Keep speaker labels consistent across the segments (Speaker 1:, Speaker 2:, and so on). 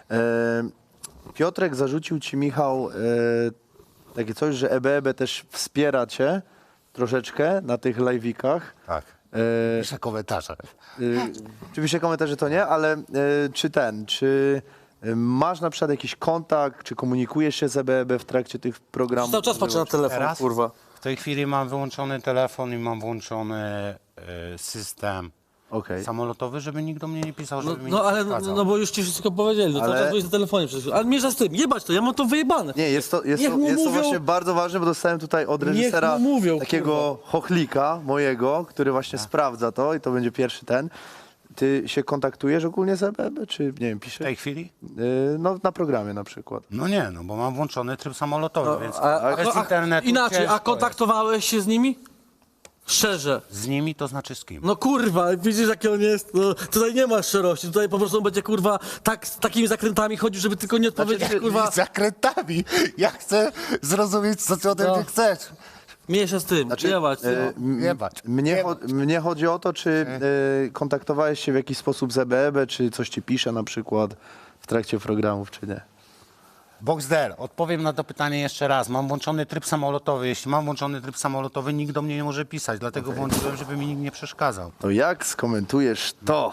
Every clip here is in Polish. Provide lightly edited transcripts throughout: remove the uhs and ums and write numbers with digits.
Speaker 1: Piotrek zarzucił ci, Michał, takie coś, że EBEB też wspiera cię troszeczkę na tych live'ikach.
Speaker 2: Tak. Piszę komentarze.
Speaker 1: Oczywiście komentarze to nie, ale czy masz na przykład jakiś kontakt, czy komunikujesz się z EBEB w trakcie tych programów?
Speaker 3: Cały czas patrzę na telefon,
Speaker 2: Teraz?
Speaker 3: kurwa.
Speaker 2: W tej chwili mam wyłączony telefon i mam włączony system
Speaker 1: Okej.
Speaker 2: samolotowy, żeby nikt do mnie nie pisał, żeby mi
Speaker 3: No
Speaker 2: nie
Speaker 3: ale,
Speaker 2: przeszkadzał.
Speaker 3: no bo już ci wszystko powiedzieli, no
Speaker 1: Ale-
Speaker 3: cały czas byłeś na telefonie przecież. Ale mierza z tym, jebać to, ja mam to wyjebane.
Speaker 1: Nie, jest to
Speaker 3: Niech mu mówią-
Speaker 1: właśnie bardzo ważne, bo dostałem tutaj od
Speaker 3: Niech
Speaker 1: reżysera
Speaker 3: mu mówią,
Speaker 1: takiego chochlika mojego, który właśnie sprawdza to i to będzie pierwszy ten. Ty się kontaktujesz ogólnie z EBEB, czy nie wiem,
Speaker 2: W
Speaker 1: piszesz?
Speaker 2: tej chwili?
Speaker 1: No na programie na przykład.
Speaker 2: No nie, no bo mam włączony tryb samolotowy, więc bez
Speaker 3: A
Speaker 2: internetu
Speaker 3: inaczej,
Speaker 2: ciężko
Speaker 3: a kontaktowałeś się z nimi? Szczerze.
Speaker 2: jest. Z nimi to znaczy z kim?
Speaker 3: No kurwa, widzisz jaki on jest? No, tutaj nie ma szczerości, tutaj po prostu on będzie kurwa tak, z takimi zakrętami chodził, żeby tylko nie odpowiedzieć kurwa.
Speaker 2: Z zakrętami. Ja chcę zrozumieć, co ty ode
Speaker 3: No.
Speaker 2: mnie chcesz.
Speaker 3: Mniejsza z tym, jebać.
Speaker 2: Jebać.
Speaker 1: Mnie chodzi o to, czy kontaktowałeś się w jakiś sposób z EBEB, czy coś ci pisze na przykład w trakcie programów, czy nie?
Speaker 2: Boxder, odpowiem na to pytanie jeszcze raz. Mam włączony tryb samolotowy. Jeśli mam włączony tryb samolotowy, nikt do mnie nie może pisać, dlatego włączyłem, żeby mi nikt nie przeszkadzał.
Speaker 1: To jak skomentujesz to?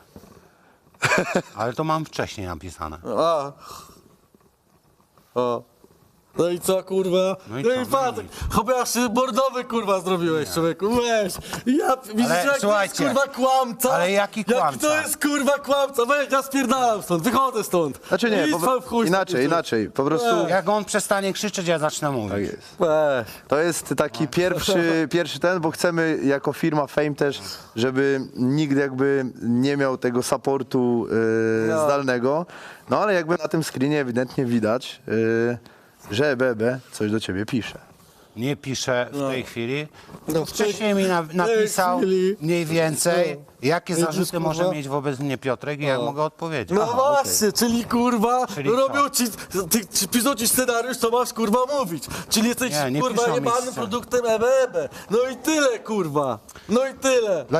Speaker 2: Ale to mam wcześniej napisane.
Speaker 3: A. O. No i co, kurwa?
Speaker 2: No i
Speaker 3: No
Speaker 2: co?
Speaker 3: i patrz, chociaż bordowy, kurwa, zrobiłeś, człowieku, weź. Ja, widzisz, jak to jest,
Speaker 2: słuchajcie,
Speaker 3: kurwa, kłamca?
Speaker 2: ale jaki
Speaker 3: Jak
Speaker 2: kłamca?
Speaker 3: to jest, kurwa, kłamca? Weź, ja spierdalam stąd, wychodzę stąd.
Speaker 1: Znaczy nie,
Speaker 3: I w chuj
Speaker 1: inaczej, po prostu...
Speaker 2: Jak on przestanie krzyczeć, ja zacznę mówić.
Speaker 1: Tak jest.
Speaker 3: Weź.
Speaker 1: To jest taki pierwszy ten, bo chcemy jako firma Fame też, żeby nikt jakby nie miał tego supportu zdalnego. No ale jakby na tym screenie ewidentnie widać, że EBEB coś do ciebie pisze.
Speaker 2: Nie pisze w tej chwili.
Speaker 3: No,
Speaker 2: Wcześniej mi napisał
Speaker 3: chwili.
Speaker 2: mniej więcej, jakie
Speaker 3: Jezus,
Speaker 2: zarzuty
Speaker 3: kurwa.
Speaker 2: może mieć wobec mnie Piotrek i jak mogę odpowiedzieć.
Speaker 3: No właśnie, czyli kurwa,
Speaker 2: Czyli
Speaker 3: robią ci, piszą ci scenariusz, co masz kurwa mówić. Czyli jesteś
Speaker 2: Nie, nie
Speaker 3: kurwa
Speaker 2: piszą mi
Speaker 3: jebanym
Speaker 2: scen-
Speaker 3: produktem EBEB. No i tyle kurwa, no i tyle.